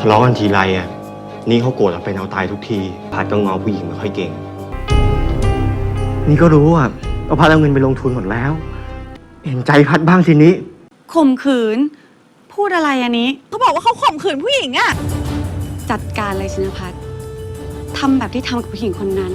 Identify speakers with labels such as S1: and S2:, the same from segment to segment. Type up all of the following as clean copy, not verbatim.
S1: ทะเลาะกันทีไรอ่ะนี่เขาโกรธเอาเป็นเอาตายทุกทีพัดก็งอผู้หญิงไม่ค่อยเก่งนี่ก็รู้อ่ะว่าพัดเอาเงินไปลงทุนหมดแล้วเห็นใจพัดบ้างทีนี้
S2: ข่มขืนพูดอะไรอันนี้
S3: เขาบอกว่าเขาข่มขืนผู้หญิงอะ
S2: จัดการเลยชินภัทรทำแบบที่ทำกับผู้หญิงคนนั้น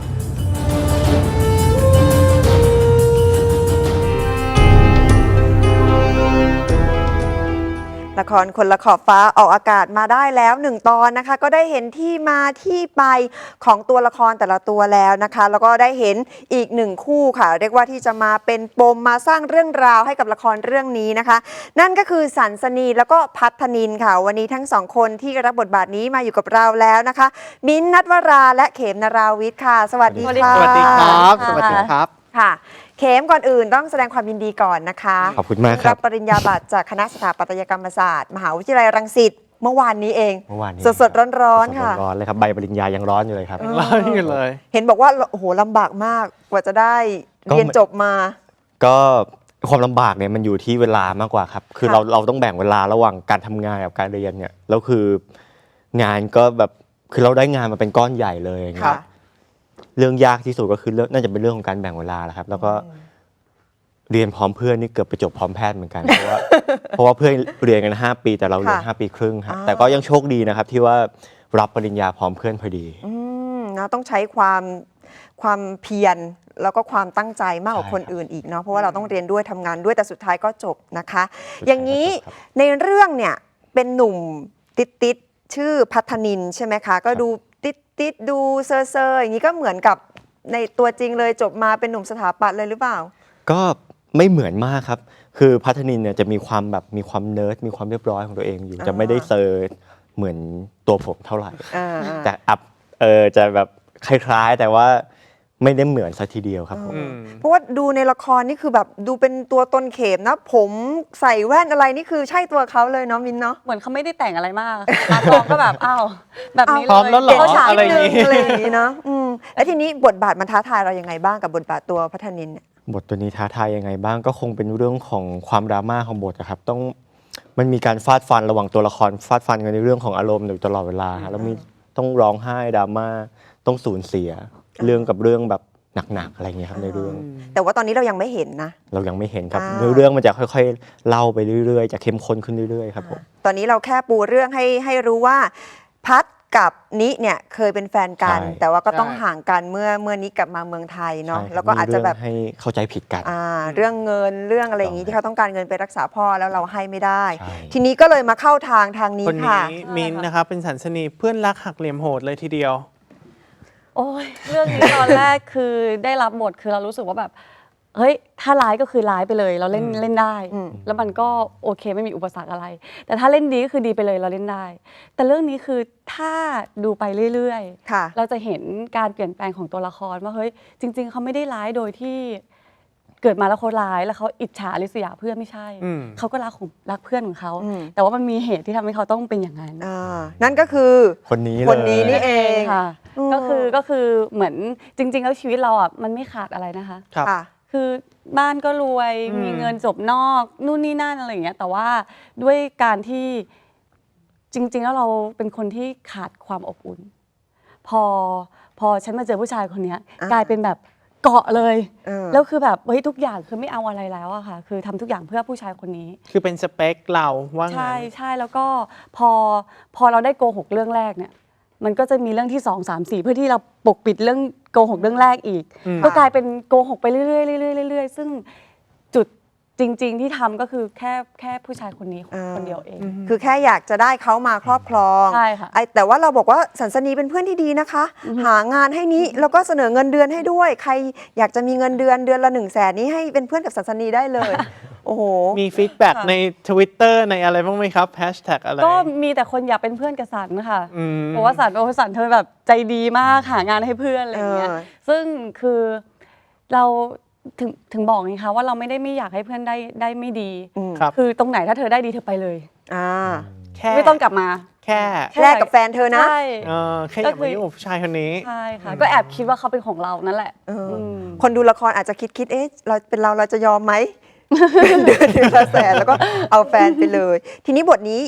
S4: ละครคนละขอบฟ้าออกอากาศมาได้แล้ว1 ตอนนะคะก็ได้เห็นที่มาที่ไปของตัวละครแต่ละตัวแล้วนะคะแล้วก็ได้เห็นอีก1 คู่ค่ะเรียกว่าที่จะมาเป็นปมมาสร้างเรื่องราวให้กับละครเรื่องนี้นะคะนั่นก็คือสันสนีแล้วก็พัฒนินค่ะวันนี้ทั้ง2 คนที่รับบทบาทนี้มาอยู่กับเราแล้วนะคะมิ้นท์ ณัฐวราและเขม นาราวิทย์ค่ะสวัสดีค่ะ
S5: สวัสดีครับสวัสดีครับ
S4: ค่ะเขมก่อนอื่นต้องแสดงความยินดีก่อนนะคะ
S1: ขอบคุณมากครับ
S4: รับปริญญาบัตรจากคณะสถาปัตยกรรมศาสตร์มหาวิทยาลัยรังสิตเมื่อวานนี้เองสดๆร้อนๆค่ะ
S1: ร้อนเลยครับใบปริญญายังร้อนอยู่เลยครับ
S5: ร้อนอยู่เลย
S4: เห็นบอกว่าโอ้โหลำบากมากกว่าจะได้เรียนจบมา
S1: ก็ความลำบากเนี่ยมันอยู่ที่เวลามากกว่าครับคือเราต้องแบ่งเวลาระหว่างการทำงานกับการเรียนเนี่ยแล้วคืองานก็แบบคือเราได้งานมาเป็นก้อนใหญ่เลยอย่างเงี้ยเรื่องยากที่สุดก็คือน่าจะเป็นเรื่องของการแบ่งเวลาแหละครับแล้วก็เรียนพร้อมเพื่อนนี่เกือบไปจบพร้อมแพทย์เหมือนกันเพราะว่าเพื่อนเรียนกัน5 ปีแต่เราเรียน5 ปีครึ่งครับแต่ก็ยังโชคดีนะครับที่ว่ารับปริญญาพร้อมเพื่อนพอดี
S4: นะต้องใช้ความเพียรแล้วก็ความตั้งใจมากกว่าคนอื่นอีกเนาะเพราะว่าเราต้องเรียนด้วยทำงานด้วยแต่สุดท้ายก็จบนะคะอย่างนี้ในเรื่องเนี่ยเป็นหนุ่มติดชื่อพัฒนินใช่ไหมคะก็ดูติดดูเซอร์อย่างนี้ก็เหมือนกับในตัวจริงเลยจบมาเป็นหนุ่มสถาปัตย์เลยหรือเปล่า
S1: ก็ไม่เหมือนมากครับคือพัฒนินเนี่ยจะมีความแบบมีความเนิร์ดมีความเรียบร้อยของตัวเองอยู่จะไม่ได้เซอร์เหมือนตัวผมเท่าไหร่แต่จะแบบคล้ายๆแต่ว่าไม่ได้เหมือนซะทีเดียวครับผม
S4: เพราะว่าดูในละครนี่คือแบบดูเป็นตัวตนเข็มนะผมใส่แว่นอะไรนี่คือใช่ตัวเขาเลยเนาะมินเนาะ
S2: เหมือนเขาไม่ได้แต่งอะไรมากมาตองก็แบบอ้าวแบบนี้เลย
S5: พร้อมแล้วหรออะไร
S4: อย่างนี้เนาะแล้วทีนี้บทบาทมันท้าทายเรายังไงบ้างกับบทบาทตัวพัฒนินเนี่ย
S1: บทตัวนี้ท้าทายยังไงบ้างก็คงเป็นเรื่องของความดราม่าของบทครับมันมีการฟาดฟันระหว่างตัวละครฟาดฟันกันในเรื่องของอารมณ์อยู่ตลอดเวลาแล้วมีต้องร้องไห้ดราม่าต้องสูญเสียเรื่องกับเรื่องแบบหนักๆอะไรเงี้ยครับในเรื่อง
S4: แต่ว่าตอนนี้เรายังไม่เห็นนะ
S1: เรายังไม่เห็นครับเรื่องมันจะค่อยๆเล่าไปเรื่อยๆจะเข้มข้นขึ้นเรื่อยๆครับผม
S4: ตอนนี้เราแค่ปูเรื่องให้รู้ว่าพัดกับนิเนี่ยเคยเป็นแฟนกันแต่ว่าก็ต้องห่างกันเมื่อนิกลับมาเมืองไทยเนาะแล้วก็อาจจะแบบ
S1: ให้เข้าใจผิดกัน
S4: เรื่องเงินเรื่องอะไรอย่างนี้ที่เขาต้องการเงินไปรักษาพ่อแล้วเราให้ไม่ได้ทีนี้ก็เลยมาเข้าทางนี้ค่ะ
S5: คนนี้มินนะครับเป็นสันสนีเพื่อนรักหักเหลี่ยมโหดเลยทีเดียว
S2: โอ้ยเรื่องนี้ตอนแรกคือได้รับบทคือเรารู้สึกว่าแบบเฮ้ยถ้าร้ายก็คือร้ายไปเลยเราเล่นได้แล้วมันก็โอเคไม่มีอุปสรรคอะไรแต่ถ้าเล่นดีก็คือดีไปเลยเราเล่นได้แต่เรื่องนี้คือถ้าดูไปเรื่อยๆเราจะเห็นการเปลี่ยนแปลงของตัวละครว่าเฮ้ยจริงๆเขาไม่ได้ร้ายโดยที่เกิดมาแล้วเขาร้ายแล้วเขาอิจฉาริษยาเพื่อนไม่ใช่เขาก็รักเพื่อนของเขาแต่ว่ามันมีเหตุที่ทำให้เขาต้องเป็นอย่างนั้น
S4: นั่นก็คือ
S1: คนนี้
S4: นี่เอง
S2: ค่ะก็คือเหมือนจริงๆแล้วชีวิตเราอ่ะมันไม่ขาดอะไรนะคะคือบ้านก็รวยมีเงินจบนอกนู่นนี่นั่นอะไรอย่างเงี้ยแต่ว่าด้วยการที่จริงๆแล้วเราเป็นคนที่ขาดความอบอุ่นพอฉันมาเจอผู้ชายคนนี้กลายเป็นแบบเกาะเลยแล้วคือแบบเฮ้ยทุกอย่างคือไม่เอาอะไรแล้วอะค่ะคือทำทุกอย่างเพื่อผู้ชายคนนี้
S5: คือเป็นสเปคเราว่า
S2: งั้นใช่แล้วก็พอเราได้โกหกเรื่องแรกเนี่ยมันก็จะมีเรื่องที่2 3 4เพื่อที่เราปกปิดเรื่องโกหกเรื่องแรกอีกก็กลายเป็นโกหกไปเรื่อยๆซึ่งจุดจริงๆที่ทำก็คือแค่ผู้ชายคนนี้คนเดียวเอง
S4: คือแค่อยากจะได้เขามาครอบครอง
S2: ใช่ค่ะ
S4: แต่ว่าเราบอกว่าสันสนีเป็นเพื่อนที่ดีนะคะหางานให้นี้แล้วก็เสนอเงินเดือนให้ด้วยใครอยากจะมีเงินเดือนละ100,000นี้ให้เป็นเพื่อนกับสันสนีได้เลยโอ้โห
S5: มีฟีดแบ็กใน Twitter ในอะไรบ้างไหมครับแฮชแท็กอะไร
S2: ก็มีแต่คนอยากเป็นเพื่อนกับสันค่ะเพราะว่าสันเธอแบบใจดีมากหางานให้เพื่อนอะไรอย่างเงี้ยซึ่งคือเราถึงบอกไงคะว่าเราไม่อยากให้เพื่อนได้ไม่ดีคือตรงไหนถ้าเธอได้ดีเธอไปเลยไม่ต้องกลับมา
S5: แค่
S4: แลกกับแฟนเธอนะ
S5: แค่อยากมายุ่งกับผู้ชายคนนี้
S2: ใช่ค่ะก็แอบคิดว่าเขาเป็นของเรานั่นแหละ
S4: คนดูละครอาจจะคิดเอ๊ะเราจะยอมไหมเดือนละ100,000แล้วก็เอาแฟนไปเลยทีนี้บทนี้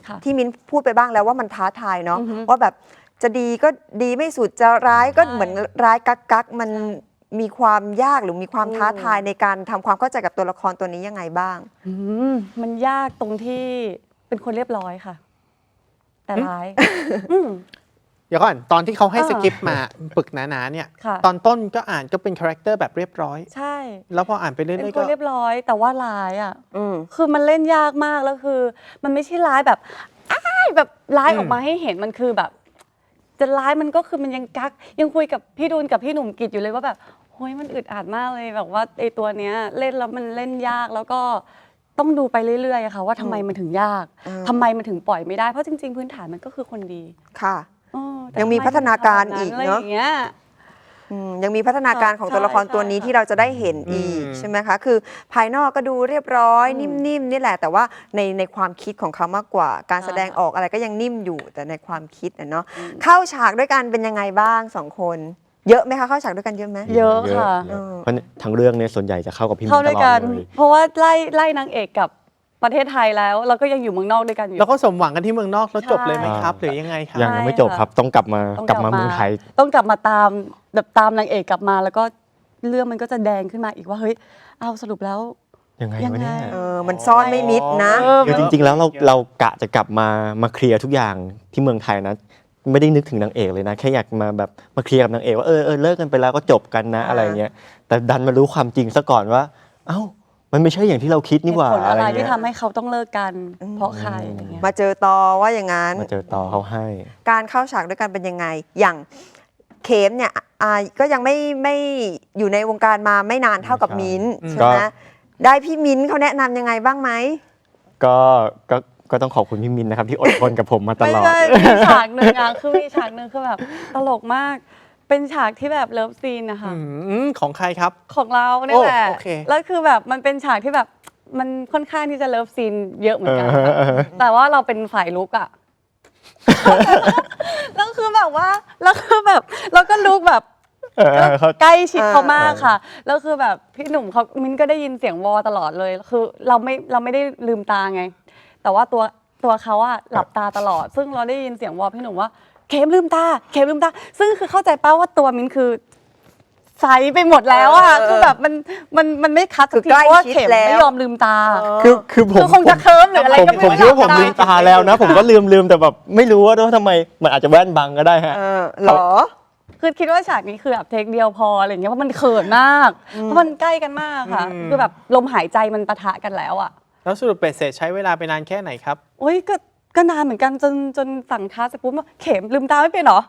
S2: ค่ะ
S4: ที่มิ้นพูดไปบ้างแล้วว่ามันท้าทายเนาะ
S2: อือฮึ
S4: ว่าแบบจะดีก็ดีไม่สุดจะร้ายก็
S2: ใช่
S4: เหมือนร้ายกักมันมีความยากหรือมีความท้าทายในการทำความเข้าใจกับตัวละครตัวนี้ยังไงบ้าง
S2: อืมมันยากตรงที่เป็นคนเรียบร้อยค่ะ แต่ร้ายอืม
S5: เดี๋ยวก่อนตอนที่เขาให้
S2: อ่า
S5: สคริปต์มาปึกหนาๆเนี่ย
S2: ค่ะ
S5: ตอนต้นก็อ่านก็เป็นคาแรคเตอร์แบบเรียบร้อย
S2: ใช่
S5: แล้วพออ่านไปเรื่
S2: เป็น
S5: อยๆ
S2: ค
S5: ก็
S2: นเรียบร้อยแต่ว่าร้ายอ่ะ
S4: อืม
S2: คือมันเล่นยากมากแล้วคือ มันไม่ใช่ร้ายแบบอ้ายแบบร้ายออกมาให้เห็นมันคือแบบ จะร้ายมันก็คือมันยังกักยังคุยกับพี่ดูนกับพี่หนุ่มกิจอยู่เลยว่าแบบโอ้ยมันอึดอัดมากเลยแบบว่าไอตัวเนี้ยเล่นแล้วมันเล่นยากแล้วก็ต้องดูไปเรื่อยๆอะค่ะว่าทำไมมันถึงยาก
S4: อืม
S2: ทำไมมันถึงปล่อยไม่ได้เพราะจริงๆพื้นฐานมันก็คือคนดี
S4: ค่ะ
S2: เออแต่
S4: ยังมี
S2: ทำไ
S4: พัฒนาการอีก
S2: อะไร
S4: เนอะ
S2: อย่างเงี้ย
S4: ยังมีพัฒนาการของตัวละคร
S2: ใช่
S4: ตัวนี้
S2: ใช่
S4: ที่เราจะได้เห็นอีก
S5: อืม
S4: ใช่ไหมคะ คือภายนอกก็ดูเรียบร้อย
S2: อืม
S4: นิ่มๆนี่แหละ แต่ว่าในความคิดของเขามากกว่า การ
S2: ใช่
S4: แสดงออกอะไรก็ยังนิ่มอยู่แต่ในความคิดเนาะเข้าฉากด้วยกันเป็นยังไงบ้างสองคน เยอะไหมคะเข้าฉากด้วยกันเยอะไหม
S2: เยอะค่ะ
S1: เยเพราะทั้งเรื่องเนี่ยส่วนใหญ่จะเข้ากับพี่มิ้
S2: เข้าน
S1: ต
S2: ด้วย
S1: ลอ
S2: กั
S1: ด
S2: น
S1: เลย
S2: เพราะว่าไล่นางเอกกับประเทศไทยแล้วเราก็ยังอยู่เมืองนอกด้วยกันอยู่
S5: แล้วก็สมหวังกันที่เมืองนอกแล้วจบเลยไหมครับ
S1: ใช่
S5: หรือยังไงครับ
S1: ยังไม่จบครับต้องกลับมา
S2: ต้อง
S1: กลับมาเมืองไทย
S2: ต้องกลับมาตามแบบตามนางเอกกลับมาแล้วก็เรื่องมันก็จะแดงขึ้นมาอีกว่าเฮ้ยเอาสรุปแล้ว
S1: ยังไง
S2: ยัง
S1: วะ
S2: ไง
S1: เนี่ย
S4: มันซ่อนไม่มิดนะ
S2: เออ
S1: คือจริงๆแล้วเรากะจะกลับมาเคลียร์ทุกอย่างที่เมืองไทยนะไม่ได้นึกถึงนางเอกเลยนะ แค่อยากมาแบบมาเคลียร์กับนางเอกว่าเลิกกันไปแล้วก็จบกันนะ
S4: อ่า
S1: อะไรเงี้ยแต่ดันมารู้ความจริงซะก่อนว่า เอ้ามันไม่ใช่อย่างที่เราคิดนี่หว่า
S2: เหตุผล
S1: อะ
S2: อะไร ไร
S1: เงี้
S2: ที่
S1: ย
S2: ทำให้เขาต้องเลิกกัน เพราะใครอะไรเงี้ย
S4: มาเจอตอว่าอย่างนั้น
S1: มาเจอต่อเขาให้
S4: การเข้าฉากด้วยกันเป็นยังไง อย่างเข็มเนี่ยก็ยังไม่อยู่ในวงการมาไม่นานเท่ากับ
S1: ใช่
S4: มิ้นท์
S1: อืม
S4: ใช่ไหม
S1: ก็
S4: ได้พี่มิ้นท์เขาแนะนำยังไงบ้างไหม
S1: ก็ต้องขอบคุณพี่มินนะครับที่อดทนกับผมมาต
S2: ไม่
S1: ลอด
S2: ใช่มีฉากหนึ่งอะคือมีฉากหนึ่งคือแบบตลกมาก เป็นฉากที่แบบเลิฟซีนนะคะ
S5: ของใครครับ
S2: ของเราเนี่ยแหละ
S5: โอเค
S2: แล้วคือแบบมันเป็นฉากที่แบบมันค่อนข้างที่จะเลิฟซีนเยอะเหมือนกัน
S1: เออ
S2: ค่ะ
S1: เออ
S2: แต่ว่าเราเป็นฝ่ายลุกอะ แล้วคือแบบว่าแล้วคือแบบเราก็ลุกแบบ
S1: เขา
S2: ใกล้ชิดเขามากค่ะ แล้วคือแบบพี่หนุ่มเขามิ้นก็ได้ยินเสียงวอตลอดเลย คือเราไม่ได้ลืมตาไง แต่ว่าตัวเขาอะหลับตาตลอด ซึ่งเราได้ยินเสียงวอพี่หนุ่มว่าเข็มลืมตาเข็มลืมตา ซึ่งคือเข้าใจป้าว่าตัวมิ้นคือใสไปหมดแล้วอะคือแบบมันไม่คัดสักที
S4: คือใกล้
S2: เพราะว่า
S4: ชิด
S2: เข็ม
S4: แล้ว
S2: ไม่ยอมลืมตา
S1: คือผม
S2: คือคงจะเคิร์มหรืออะไรก็ไม่รู้
S1: ผมคิดว่าผม
S2: จำได้
S1: ลืมตาแล้วนะ ผมก็ลืมแต่แบบไม่รู้ว่าทำไมมันอาจจะแว่นบังก็ได้ฮะ
S4: หรอ
S2: คือคิดว่าฉากนี้คือแบบเทคเดียวพออะไรอย่างเงี้ยเพราะมันเขินมากเพราะมันใกล้กันมากค่ะ คือแบบลมหายใจมันปะทะกันแล้วอ่ะ
S5: แล้วสรุปเบ็ดเสร็จใช้เวลาไปนานแค่ไหนครับ
S2: โอ้ยก็นานเหมือนกันจนสั่งท้าเสร็จปุ๊บว่าเข็มลืมตาไม่เป็นเหรอ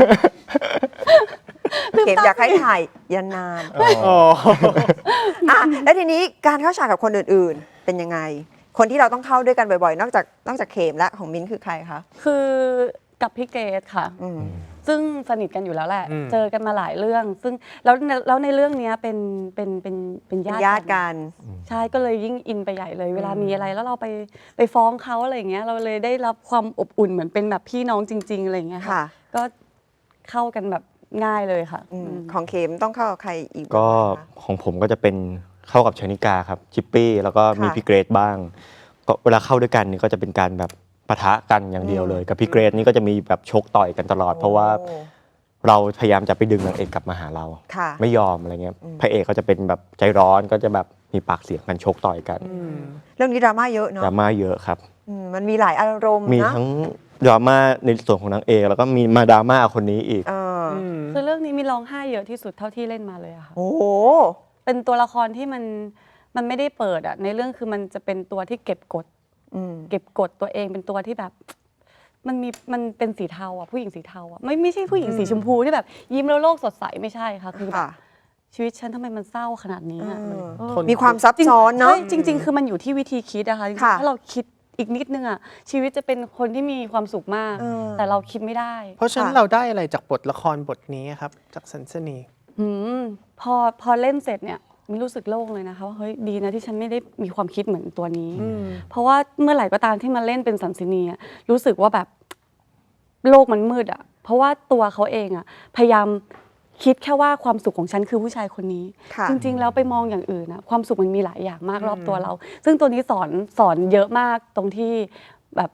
S4: เข็มอยากให้ถ่ายยันนาน
S5: อ๋อ
S4: แล้วทีนี้การเข้าฉากกับคนอื่นๆ เป็นยังไง คนที่เราต้องเข้าด้วยกันบ่อยๆ นอกจากเข็มและของมิ้นท์คือใครคะ
S2: คือกับพี่เกดค่ะ
S4: อืม
S2: ซึ่งสนิทกันอยู่แล้วแหละ
S5: อืม
S2: เจอกันมาหลายเรื่อง ซึ่งแล้วในเรื่องเนี้ยเป็นญาติ
S4: ญาติกัน
S2: ใช่ก็เลยยิ่งอินไปใหญ่เลย เวลามีอะไรแล้วเราไปฟ้องเขาอะไรอย่างเงี้ยเราเลยได้รับความอบอุ่นเหมือนเป็นแบบพี่น้องจริง ๆอะไรอย่างเงี้ย
S4: ค่ะ
S2: ค่ะ ก็เข้ากันแบบง่ายเลยค่ะ
S4: ของเข็มต้องเข้ากับใครอีก
S1: ก็
S4: บ้างคะ
S1: ของผมก็จะเป็นเข้ากับชนิกาครับชิปปี้แล้วก็มี
S4: ค่ะ
S1: พี่เกรดบ้างก็เวลาเข้าด้วยกันนี่ก็จะเป็นการแบบปะทะกันอย่างเดียวเลย กับพี่เกรดนี่ก็จะมีแบบชกต่อยกันตลอด เพราะว่า
S4: โอ้
S1: เราพยายามจะไปดึงนางเอกกลับมาหาเรา
S4: ค่ะ
S1: ไม่ยอมอะไรเงี้ยพระเอกก็จะเป็นแบบใจร้อนก็จะแบบมีปากเสียงกันชกต่อยกัน
S4: เรื่องนี้ดราม่าเยอะเนาะ
S1: ดราม่าเยอะครับ
S4: มันมีหลายอารมณ์
S1: มี
S4: นะ
S1: ทั้งดราม่าในส่วนของนางเอกแล้วก็มีมาดราม่าคนนี้อีก
S4: เออ
S2: คือเรื่องนี้มีร้องไห้เยอะที่สุดเท่าที่เล่นมาเลยอะค่ะ
S4: โอ้โห
S2: เป็นตัวละครที่มันไม่ได้เปิดอะในเรื่องคือมันจะเป็นตัวที่เก็บกด เก็บกดตัวเองเป็นตัวที่แบบ มันเป็นสีเทาอ่ะผู้หญิงสีเทาอ่ะไม่ใช่ผู้หญิงสีชมพูที่แบบ ยิ้มแล้วโลกสดใสไม่ใช่ค่ะคือแบบ
S4: ค่ะ
S2: ชีวิตฉันทำไมมันเศร้าขนาดนี้อะ
S4: เออ
S2: เออ
S4: มีความซับซ้อนเนาะ
S2: ใช่จริง ๆ คือมันอยู่ที่วิธีคิดนะคะจริงๆ
S4: ค่ะ
S2: ถ้าเราคิดอีกนิดนึงอ่ะชีวิตจะเป็นคนที่มีความสุขมาก
S4: เออ
S2: แต่เราคิดไม่ได้
S5: เพราะฉะนั้น
S4: ค่ะ
S5: เราได้อะไรจากบทละครบทนี้ครับ จากสันสนี
S2: อืมพอเล่นเสร็จเนี่ยมินรู้สึกโล่งเลยนะคะว่าเฮ้ยดีนะที่ฉันไม่ได้มีความคิดเหมือนตัวนี้ เพราะว่าเมื่อไหร่ก็ตามที่มาเล่นเป็นสันสินีอะรู้สึกว่าแบบโลกมันมืดอ่ะเพราะว่าตัวเขาเองอ่ะพยายามคิดแค่ว่าความสุขของฉันคือผู้ชายคนนี้
S4: ค่ะ
S2: จริง ๆ แล้วไปมองอย่างอื่นนะความสุขมันมีหลายอย่างมากรอบตัวเรา ซึ่งตัวนี้สอนเยอะมากตรงที่แบบ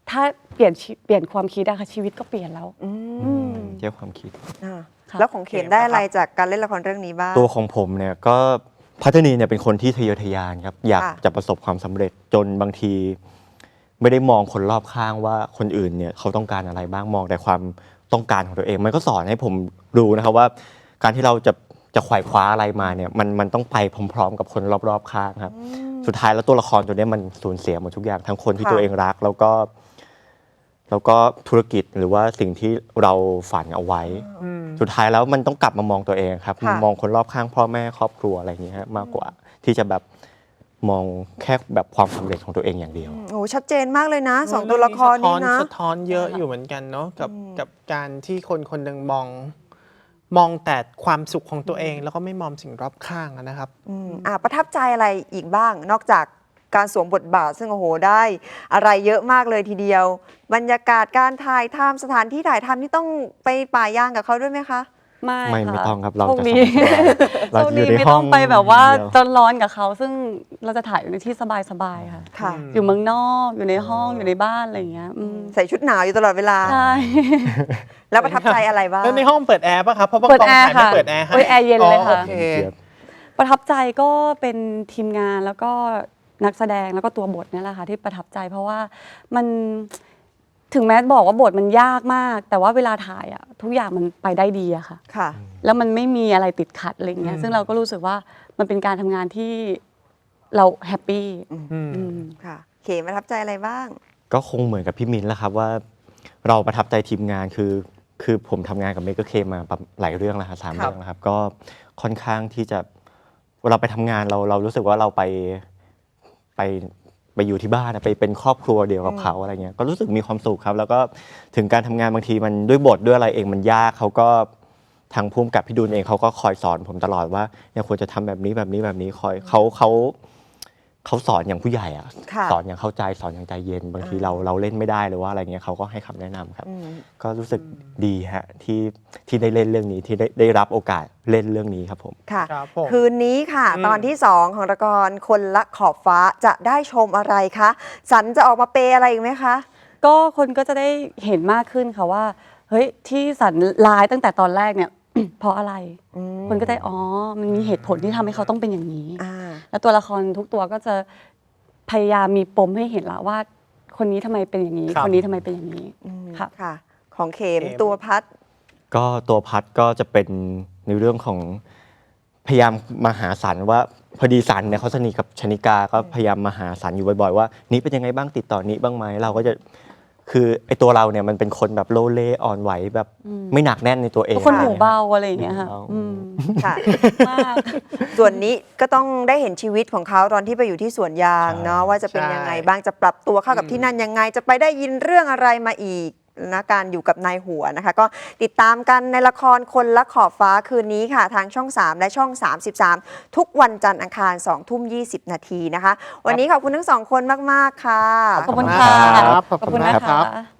S2: ถ้าเปลี่ยนความคิดอะค่ะชีวิตก็เปลี่ยนแล้ว
S4: อืม
S1: เกี่ยวความคิด
S4: อ่า
S2: ค่ะ
S4: แล้วของเข็มได้อะไรจากการเล่นละครเรื่องนี้บ้าง
S1: ตัวของผมเนี่ยก็พัฒนีเนี่ยเป็นคนที่ทะเยอทะยานครับอยาก
S4: ค่ะ
S1: จะประสบความสำเร็จจนบางทีไม่ได้มองคนรอบข้างว่าคนอื่นเนี่ยเขาต้องการอะไรบ้างมองแต่ความต้องการของตัวเอง มันก็สอนให้ผมรู้นะครับว่าการที่เราจะไขว่คว้าอะไรมาเนี่ยมันต้องไปพร้อมๆ กับคนรอบๆข้างครับ สุดท้ายแล้วตัวละครตัวเนี้ยมันสูญเสียหมดทุกอย่างทั้งคนที่
S4: ค่ะ
S1: ตัวเองรักแล้วก็ธุรกิจหรือว่าสิ่งที่เราฝันเอาไว้ สุดท้ายแล้วมันต้องกลับมามองตัวเองครับ
S4: ค่ะ
S1: มองคนรอบข้างพ่อแม่ครอบครัวอะไรอย่างเงี้ยฮะมากกว่าที่จะแบบมองแค่แบบความสำเร็จของตัวเองอย่างเดียว
S4: โอ้ชัดเจนมากเลยนะสองตัวละครนี้นะ
S5: สะท้อนเยอะอยู่เหมือนกันเนาะกับการที่คนคนหนึ่งมองแต่ความสุขของตัวเอง แล้วก็ไม่มองสิ่งรอบข้างอะนะครับ
S4: ประทับใจอะไรอีกบ้าง นอกจากการสวมบทบาทซึ่งโอ้โหได้อะไรเยอะมากเลยทีเดียว บรรยากาศการถ่ายทำสถานที่ถ่ายทำนี่ต้องไปป่ายางกับเขาด้วยไหมคะ
S2: ไม่
S1: ไม่
S2: ค่ะ
S1: ต้องครับเรา
S2: โชค
S1: จะ
S2: ดี
S1: สบายๆเรา
S2: โชค
S1: อ
S2: ดี
S1: ยู่ใน
S2: ไม่
S1: ห้
S2: ต้
S1: อ
S2: อง งไปแบบว่า
S1: อย่งเดีย
S2: จนร้อนกับเขาซึ่งเราจะถ่ายอยู่ในที่สบายๆค่ะ
S4: ค่ะ
S2: อยู่เมืองนอกอยู่ในห้องอยู่ในบ้านอะไรอย่างเงี้ย
S4: ใส่ชุดหนาวอยู่ตลอดเวลา
S2: ใช่
S4: แล้วประทับใจอะไรบ้าง
S5: แล้วในห้องเปิดแอร์ป่ะครับ เพราะบาง
S2: เปิด
S5: กอง
S2: แอร์
S5: ถ่ายไม่
S2: ค่ะ
S5: เปิดแอร์ให้
S2: เปิดแอร์เย็นเลยค่ะ
S5: โอเค
S1: เจี๊ยบ
S2: ประทับใจก็เป็นทีมงานแล้วก็นักแสดงแล้วก็ตัวบทเนี่ยแหละค่ะที่ประทับใจ เพราะว่ามันถึงแม้บอกว่าบทมันยากมาก แต่ว่าเวลาถ่ายอะทุกอย่างมันไปได้ดีอะค่ะ
S4: ค่ะ
S2: แล้วมันไม่มีอะไรติดขัดอะไรเงี้ยซึ่งเราก็รู้สึกว่ามันเป็นการทำงานที่เราแฮปปี้
S4: ค่ะ เขมประทับใจอะไรบ้าง
S1: ก็คงเหมือนกับพี่มิ้นท์แหละครับว่าเราประทับใจทีมงานคือผมทำงานกับเมก เคมาหลายเรื่องแล้วครับ3
S4: ครับ
S1: เรื่องแล้วครับก็ค่อนข้างที่จะเวลาไปทำงานเรารู้สึกว่าเราไปอยู่ที่บ้านไปเป็นครอบครัวเดียวกับเขาอะไรเงี้ยก็รู้สึกมีความสุขครับ แล้วก็ถึงการทำงานบางทีมันด้วยบทด้วยอะไรเองมันยากเขาก็ทางภูมิกับพี่ดุลเองเขาก็คอยสอนผมตลอดว่าเนี่ยควรจะทำแบบนี้คอยเขาสอนอย่างผู้ใหญ่อะ
S4: ค่ะ
S1: สอนอย่างเข้าใจสอนอย่างใจเย็นบางทีเราเล่นไม่ได้หรือว่าอะไรเงี้ยเขาก็ให้คำแนะนำครับ ก็รู้สึกดีฮะที่ได้เล่นเรื่องนี้ที่ได้รับโอกาสเล่นเรื่องนี้ครับผม
S4: ค่ะ
S5: ครับผม
S4: คืนนี้ค่ะ ตอนที่ 2 ของละครคนละขอบฟ้าจะได้ชมอะไรคะ สันจะออกมาเปย์อะไรอีกไหมคะ
S2: ก็คนก็จะได้เห็นมากขึ้นค่ะว่าเฮ้ยที่สันร้ายตั้งแต่ตอนแรกเนี่ย เพราะอะไร คนก็จะอ๋อมันมีเหตุผลที่ทำให้เขาต้องเป็นอย่างนี้ แล้วตัวละครทุกตัวก็จะพยายามมีปมให้เห็นละว่า คนนี้ทำไมเป็นอย่างนี้
S5: ครับ
S2: คนนี้ทำไมเป็นอย่างนี้ค่ะ
S4: ค่ะ ของเขม
S5: เข็ม
S4: ตัวพัด
S1: ก็ตัวพัดก็จะเป็นในเรื่องของพยายามมาหาสันว่าพอดีสันเนี่ยเขาสนิทกับชนิกาก็พยายามมาหาสันอยู่บ่อยๆว่านี้เป็นยังไงบ้างติดต่อนี้บ้างไหมเราก็จะคือไอตัวเราเนี่ยมันเป็นคนแบบโลเลอ่อนไหวแบบไม่หนักแน่นในตัวเอง
S2: คนหูเบาอะไรอย่างเงี้ยค่ะ
S1: หูเบา
S4: ค่ะ
S2: มาก
S4: ส่วนนี้ก็ต้องได้เห็นชีวิตของเขาตอนที่ไปอยู่ที่สวนยางเนาะว่าจะเป็นยังไงบ้างจะปรับตัวเข้ากับที่นั่นยังไง จะไปได้ยินเรื่องอะไรมาอีกนะการอยู่กับนายหัวนะคะ ก็ติดตามกันในละครคนละขอบฟ้าคืนนี้ค่ะ ทางช่อง 3 และช่อง 33 ทุกวันจันทร์อังคาร 20:20 นาทีนะคะ วันนี้ขอบคุณทั้งสองคนมาก ๆ ค่ะ
S2: ขอบคุณค่ะ
S5: ขอบคุณมากครับ
S2: ขอบคุณนะคะ